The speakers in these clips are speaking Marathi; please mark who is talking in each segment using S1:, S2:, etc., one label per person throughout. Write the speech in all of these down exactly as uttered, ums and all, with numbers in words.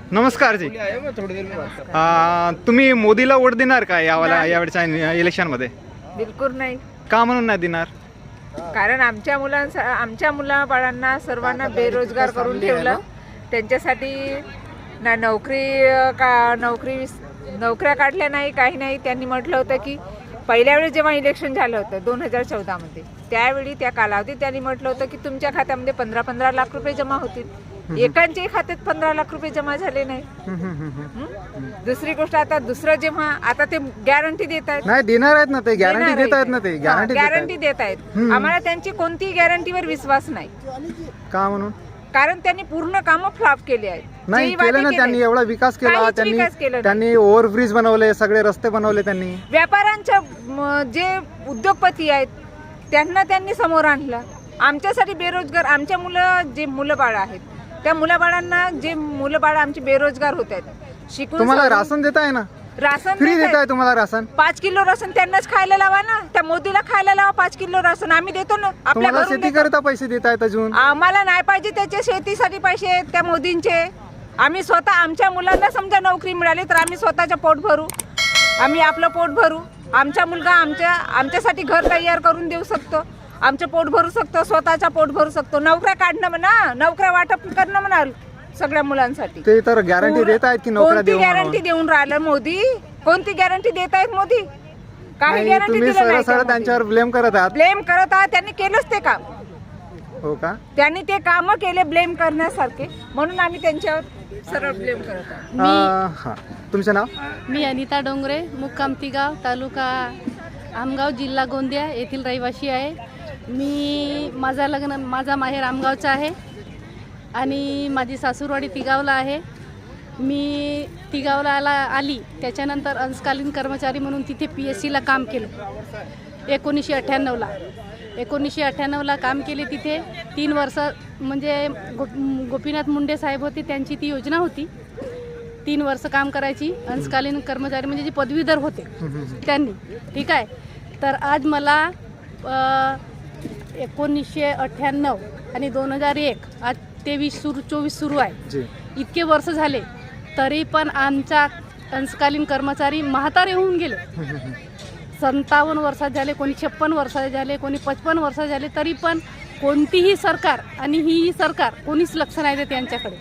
S1: नमस्कार जी. आ, तुम्ही मोदीला वोट देणार का यावाला यावेळच्या इलेक्शनमध्ये?
S2: बिलकुल नाही.
S1: का म्हणून नाही देणार?
S2: कारण आमच्या मुलांसा आमच्या मुलाबाळांना सर्वांना बेरोजगार करून ठेवलं. त्यांच्यासाठी ना नोकरी का नोकरी नोकऱ्या काढल्या नाही, काही नाही. त्यांनी म्हटलं होतं की पहिल्या वेळी जेव्हा इलेक्शन झालं होतं दोन हजार चौदामध्ये, त्यावेळी त्या कालावधीत त्यांनी म्हटलं होतं की तुमच्या खात्यामध्ये पंधरा पंधरा लाख रुपये जमा होतील. एकांच्याही खात्यात पंधरा लाख रुपये जमा झाले नाही. दुसरी गोष्ट, आता दुसरं जेव्हा आता ते गॅरंटी देत आहेत,
S1: नाही देणार आहेत ना, ते गॅरंटी देत आहेत ना, ते गॅरंटी
S2: गॅरंटी देत आहेत. आम्हाला त्यांची कोणतीही गॅरंटीवर विश्वास नाही. का
S1: म्हणून?
S2: कारण त्यांनी पूर्ण कामं फ्लॉप केली आहेत.
S1: नाही केलं ना त्यांनी, एवढा विकास केला त्यांनी. त्यांनी ओव्हरब्रिज बनवले, सगळे रस्ते बनवले त्यांनी.
S2: व्यापाऱ्यांच्या जे उद्योगपती आहेत त्यांना त्यांनी समोर आणलं. आमच्यासाठी बेरोजगार आमच्या मुलं जे मुलं बाळ आहेत त्या मुलाबाळांना, जे मुलं बाळ आमचे बेरोजगार होत आहेत शिकून.
S1: तुम्हाला राशन देत आहे ना,
S2: राशन
S1: फ्री देत आहे तुम्हाला राशन.
S2: पाच किलो राशन त्यांनाच खायला लावा ना, त्या मोदीला खायला लावा पाच किलो राशन. आम्ही देतो ना आपल्या घरून.
S1: शेती करता पैसे देत आहेत अजून.
S2: आम्हाला नाही पाहिजे त्याचे शेतीसाठी पैसे त्या मोदींचे. आम्ही स्वतः आमच्या मुलांना समजा नोकरी मिळाली तर आम्ही स्वतःचं पोट भरू, आम्ही आपलं पोट भरू. आमचा मुलगा आमच्या आमच्यासाठी घर तयार करून देऊ शकतो, आमचं पोट भरू शकतो, स्वतःचा पोट भरू शकतो. नोकऱ्या काढणं म्हणा, नोकऱ्या वाटप करणं म्हणा सगळ्या मुलांसाठी.
S1: ते तर गॅरंटी देत आहेत की नोकऱ्या देऊ.
S2: कोणती गॅरंटी देऊन राहिलं मोदी? कोणती गॅरंटी देत आहेत मोदी? काही गॅरंटी दिली नाही.
S1: त्यांच्यावर ब्लेम करत आहात.
S2: ब्लेम करत आहात. त्यांनी केलंच ते काम.
S1: हो का? त्यांनी
S2: ते काम केले ब्लेम करण्यासारखे, म्हणून आम्ही त्यांच्यावर सरळ ब्लेम करत आहोत.
S1: तुमचं नाव?
S3: मी अनिता डोंगरे, मुक्काम तिगाव, तालुका आमगाव, जिल्हा गोंदिया येथील रहिवासी आहे. मी माझा लग्न माझा माहेर आमगावचा आहे आणि माझी सासूरवाडी तिगावला आहे. मी तिगावला आला आली त्याच्यानंतर अंशकालीन कर्मचारी म्हणून तिथे पी एस सीला काम केलं एकोणीसशे अठ्ठ्याण्णवला एकोणीसशे अठ्ठ्याण्णवला काम केले तिथे तीन वर्ष. म्हणजे गो गोपीनाथ मुंडे साहेब होते, त्यांची ती योजना होती तीन वर्ष काम करायची अंशकालीन कर्मचारी, म्हणजे जे पदवीधर होते त्यांनी. ठीक आहे. तर आज मला एकोणीसशे अठ्ठ्याण्णव आणि दोन हजार एक आज तेवीस सुरू चोवीस सुरू आहे. इतके वर्ष झाले तरी पण आमचा अंशकालीन कर्मचारी म्हातारे होऊन गेले. सत्तावन्न वर्षात झाले, कोणी छप्पन वर्षात झाले, कोणी पचपन्न वर्षात झाले, तरी पण कोणतीही सरकार आणि ही सरकार कोणीच लक्ष नाही देत यांच्याकडे.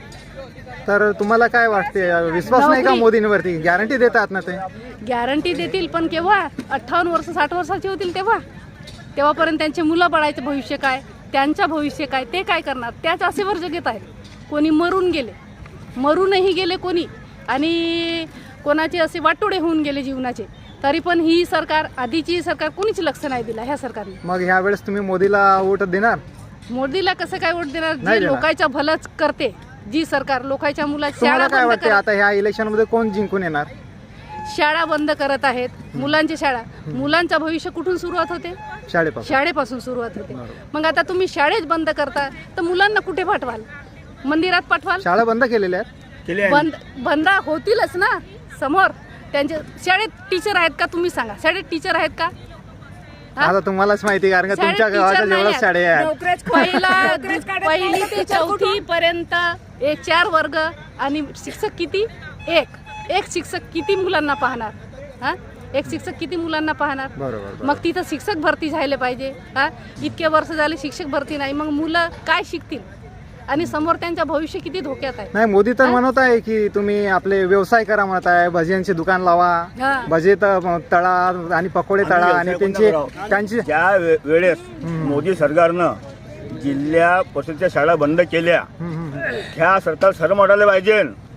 S1: तर तुम्हाला काय वाटते, विश्वास नाही का मोदींवरती? गॅरंटी देतात ना ते.
S3: गॅरंटी देतील पण केव्हा? अठ्ठावन्न वर्ष साठ वर्षाचे होतील तेव्हा. तेव्हापर्यंत त्यांचे मुलं बाळाचं भविष्य काय, त्यांचं भविष्य काय, ते काय करणार? त्याच आशेवर जगत आहेत. कोणी मरून गेले, मरूनही गेले कोणी, आणि कोणाचे असे वाटोडे होऊन गेले जीवनाचे. तरी पण ही सरकार, आधीची सरकार, कोणीच लक्ष नाही दिला ह्या सरकारने.
S1: मग ह्या वेळेस तुम्ही मोदीला वोट देणार?
S3: मोदीला कसं काय वोट देणार? जे लोकांच्या भलंच करते, जी सरकार लोकांच्या मुलाची शाळा
S1: काय वाटते आता ह्या इलेक्शन मध्ये कोण जिंकून येणार?
S3: शाळा बंद करत आहेत, मुलांची शाळा. मुलांचं भविष्य कुठून सुरुवात होते?
S1: शाळेपासून.
S3: शाळेपासून सुरुवात होते. मग आता तुम्ही शाळेत बंद करता तर मुलांना कुठे पाठवाल? मंदिरात पाठवाल?
S1: शाळा बंद केलेल्या आहेत.
S3: बंद बंद होतीलच ना समोर. त्यांचे शाळेत टीचर आहेत का? तुम्ही सांगा, शाळेत टीचर आहेत का?
S1: आता तुम्हालाच माहिती, कारण का तुमच्या गावाच्या जेवढ्या शाळा आहेत,
S3: पहिला पहिली ते चौथी पर्यंत एक चार वर्ग, आणि शिक्षक किती? एक एक शिक्षक किती मुलांना पाहणार? हा, एक शिक्षक किती मुलांना पाहणार?
S1: बरोबर.
S3: मग तिथं शिक्षक भरती झाले पाहिजे. हा, इतके वर्ष झाले शिक्षक भरती नाही, मग मुलं काय शिकतील? आणि समोर त्यांचं भविष्य किती धोक्यात आहे.
S1: नाही, मोदी तर म्हणत आहे की तुम्ही आपले व्यवसाय करा म्हणत आहे, भजियांचे दुकान लावा, भजे तळा आणि पकोडे तळा, आणि त्यांची त्यांची
S4: त्या वेळेस मोदी सरकारनं जिल्हा परिषदेच्या शाळा बंद केल्या. ह्या सरकार शरम वाटायला पाहिजे.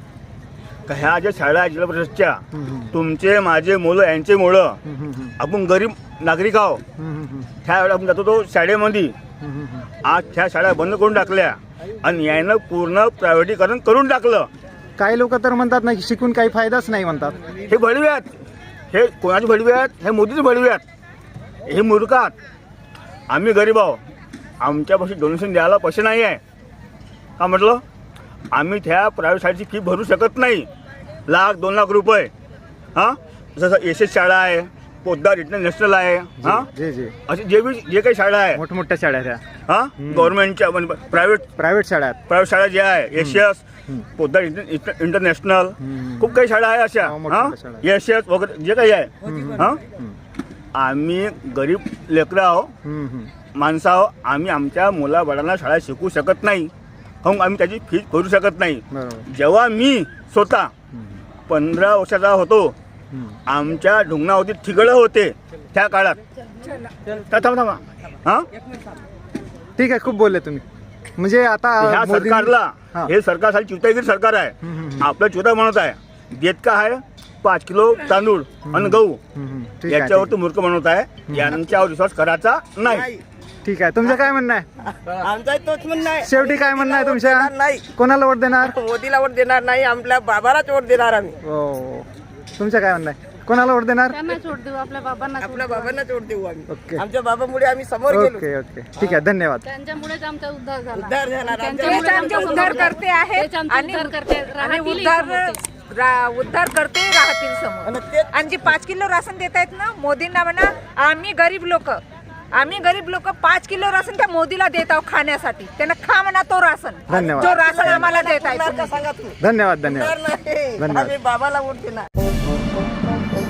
S4: ह्या ज्या शाळा आहेत जिल्हा परिषदच्या, तुमचे माझे मुलं यांचे मुलं, आपण गरीब नागरिक आहो. त्या वेळेला आपण जातो तो शाळेमध्ये. आज ह्या शाळा बंद करून टाकल्या आणि यानं पूर्ण प्रायव्हेटीकरण करून टाकलं.
S1: काही लोक तर म्हणतात ना, शिकून काही फायदाच नाही म्हणतात.
S4: हे भडवे आहेत. हे कोणाचे भडवे आहेत? हे मोदीचे भडवे आहेत. हे मूर्खात. आम्ही गरीब आहो, आमच्यापाशी डोनेशन द्यायला पैसे नाही आहे. का म्हटलं? आम्ही त्या प्रायव्हेट शाळेची फी भरू शकत नाही, लाख दोन लाख रुपये. हां, जसं एस एस शाळा आहे, पोद्दार इंटरनॅशनल आहे, हां, असे जे जे काही शाळा आहे,
S1: मोठमोठ्या शाळा त्या
S4: हा गव्हर्नमेंटच्या प्रायव्हेट
S1: प्रायव्हेट शाळा आहेत.
S4: प्रायव्हेट शाळा ज्या आहे एशियस पोद्दार इंटर- इंटरनॅशनल खूप काही शाळा आहे अशा
S1: हो, मोठ्या
S4: हा
S1: मोठ्या शाळा.
S4: एशियस वगैरे जे काही आहे हा आम्ही गरीब लेकरं आहो
S1: हम्म, हम्म.
S4: माणसं आहो आम्ही आमच्या मुलाबाळांना शाळा शिकू शकत नाही मग आम्ही त्याची फीस भरू शकत नाही.
S1: बरोबर.
S4: जेव्हा मी स्वतः पंधरा वर्षाचा होतो
S1: हम्म.
S4: आमच्या ढुंगणावरती ठिगळं होते त्या काळात. था- थांबा थांबा हा
S1: ठीक आहे, खूप बोलले तुम्ही. म्हणजे आता
S4: ह्या
S1: मोदी-
S4: सरकारला
S1: हा.
S4: हे सरकार साली चिवतागिरी सरकार आहे.
S1: हम्म, हम्म,
S4: आपलं चिवता म्हणत आहे देत का आहे पाच किलो तांदूळ आणि गहू
S1: हम्म, हम्म. ठीक आहे,
S4: याच्यावर
S1: ठीक
S4: तो मूर्ख म्हणत आहे यांच्यावर विश्वास करायचा नाही.
S1: आहे. ठीक आहे, तुमचं काय म्हणणं आहे?
S5: आमचा तोच म्हणणं आहे.
S1: शेवटी काय म्हणणं आहे तुमच्या?
S5: देणार नाही,
S1: कोणाला वोट देणार?
S5: मोदीला वोट देणार नाही, आपल्या बाबालाच वोट देणार आम्ही.
S1: हो, तुमचं काय म्हणणं आहे? कोणाला वोट देणार?
S3: त्यांना सोड देऊ, आपल्या बाबांना सोड
S5: आपल्या
S3: देऊ.
S5: बाबांनाच वोट देऊ आम्ही.
S1: ओके.
S5: आमच्या बाबामुळे आम्ही समोर गेलो,
S1: ओके ओके ठीक आहे, धन्यवाद.
S3: त्यांच्यामुळेच आमचा उद्धार झाला.
S5: उद्धार झाला.
S2: तेच
S3: त्यांच्यामुळे
S2: आमचे
S3: आमचा
S2: उद्धार
S3: उद्धार
S2: करते आहेत
S3: तेच आमचे
S2: आणि
S3: उद्धार करते.
S2: आणि
S3: राहतीलही
S2: उद्धार
S3: समोर ते.
S2: रा- उद्धार करते राहतील समोर.
S5: आणि तेच
S2: आणि जे पाच किलो राशन देत आहेत ना मोदींना म्हणा आम्ही गरीब लोक आम्ही गरीब लोक पाच किलो राशन त्या मोदीला देत आहोत खाण्यासाठी. त्यांना खा म्हणा तो राशन
S1: धन्यवाद.
S2: जो राशन आम्हाला देत
S5: देणार का
S2: आहे.
S5: सांगा तुम्ही?
S1: धन्यवाद धन्यवाद
S5: देणार नाही.
S1: धन्यवाद.
S5: आम्ही बाबाला वोट देणार.